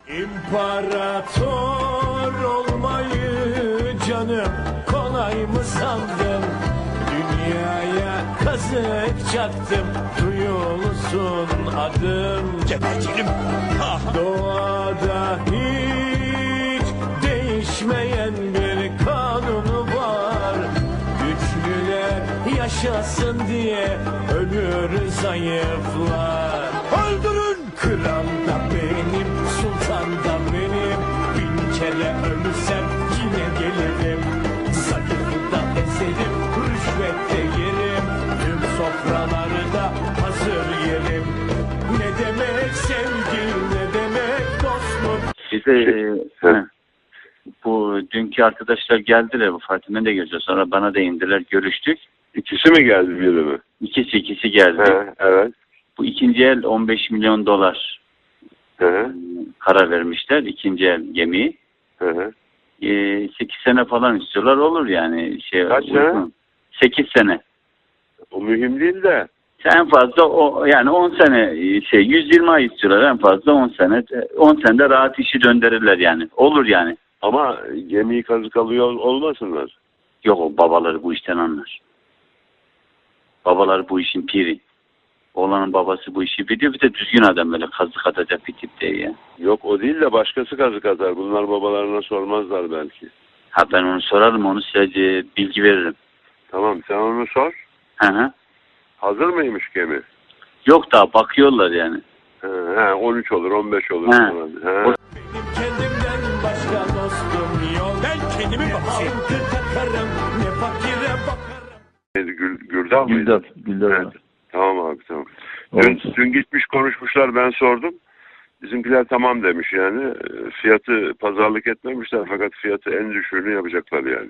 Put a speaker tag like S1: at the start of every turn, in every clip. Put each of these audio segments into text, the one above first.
S1: İmparator olmayı canım kolay mı sandın? Dünyaya kazık çaktım, duyulsun adım.
S2: Gebertelim.
S1: Doğada hiç değişmeyen bir kanun var. Güçlüler yaşasın diye ölür zayıflar.
S2: Öldürün.
S1: Kral da benim, sultan da benim. Bin kere ölürsem yine gelirim. Zayıfı da ezerim, rüşvet de yerim. Tüm sofralarda hazır yerim. Ne demek sevgi, ne demek dostluk.
S3: Bize bu dünkü arkadaşlar geldiler, bu Fatih'den de geleceğiz. Sonra bana da indiler, görüştük.
S4: İkisi mi geldi, biri mi?
S3: İkisi geldi.
S4: He, evet.
S3: Bu ikinci el 15 milyon dolar
S4: He,
S3: karar vermişler. İkinci el gemiyi.
S4: he.
S3: 8 sene falan istiyorlar, olur yani.
S4: Kaç sene?
S3: 8 sene.
S4: O mühim değil de.
S3: En fazla yani 10 sene 120 ay istiyorlar, en fazla 10 sene. 10 senede rahat işi döndürürler yani. Olur yani.
S4: Ama gemiyi kazık alıyor olmasınlar.
S3: Yok, o babaları bu işten anlar. Babaları bu işin piri. Oğlanın babası bu işi biliyor. Bir de düzgün adam, böyle kazık atacak bir tip değil ya.
S4: Yok, o değil de başkası kazık atar. Bunlar babalarına sormazlar belki.
S3: Ha, ben onu sorarım, onu size bilgi veririm.
S4: Tamam, sen onu sor.
S3: Hı.
S4: Hazır mıymış gemi?
S3: Yok, daha bakıyorlar yani.
S4: He, 13 olur, 15 olur.
S3: He.
S4: Falan. He.
S1: Benim kendimden başka dostum yok.
S2: Ben kendimi bakayım.
S1: Halkı takarım, ne fakire bakarım.
S4: Gürdal mıydı?
S5: Güldal.
S4: Evet. Tamam abi, tamam.
S5: Evet.
S4: Dün gitmiş konuşmuşlar, ben sordum. Bizimkiler tamam demiş yani. Fiyatı pazarlık etmemişler, fakat fiyatı en düşüğünü yapacaklar yani.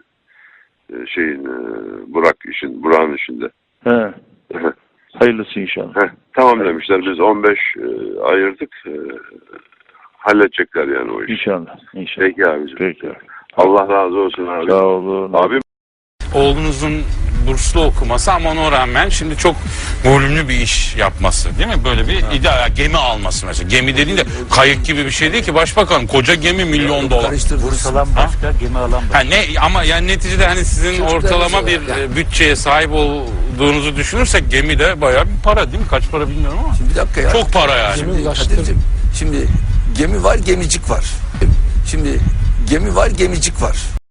S4: Burak'ın işinde.
S5: He. Hayırlısı inşallah.
S4: Tamam demişler, biz 15 ayırdık. Halledecekler yani o işi.
S5: İnşallah. İnşallah.
S4: Peki abicim.
S5: Peki abi.
S4: Allah razı olsun abi.
S5: Sağ olun.
S4: Abi
S6: Oğlunuzun burslu okuması ama ona rağmen şimdi çok volümlü bir iş yapması, değil mi? Böyle bir iddia, gemi alması mesela. Gemi dediğinde kayık gibi bir şey değil ki başbakan. Koca gemi $1.000.000.
S7: Burs alan başka, gemi alan başka.
S6: Ha, ama yani neticede hani sizin ortalama bir bütçeye sahip olduğunuzu düşünürsek gemi de bayağı bir para, değil mi? Kaç para bilmiyorum ama.
S7: Şimdi bir dakika ya.
S6: Çok para yani.
S7: Şimdi gemi var, gemicik var. Şimdi gemi var, gemicik var.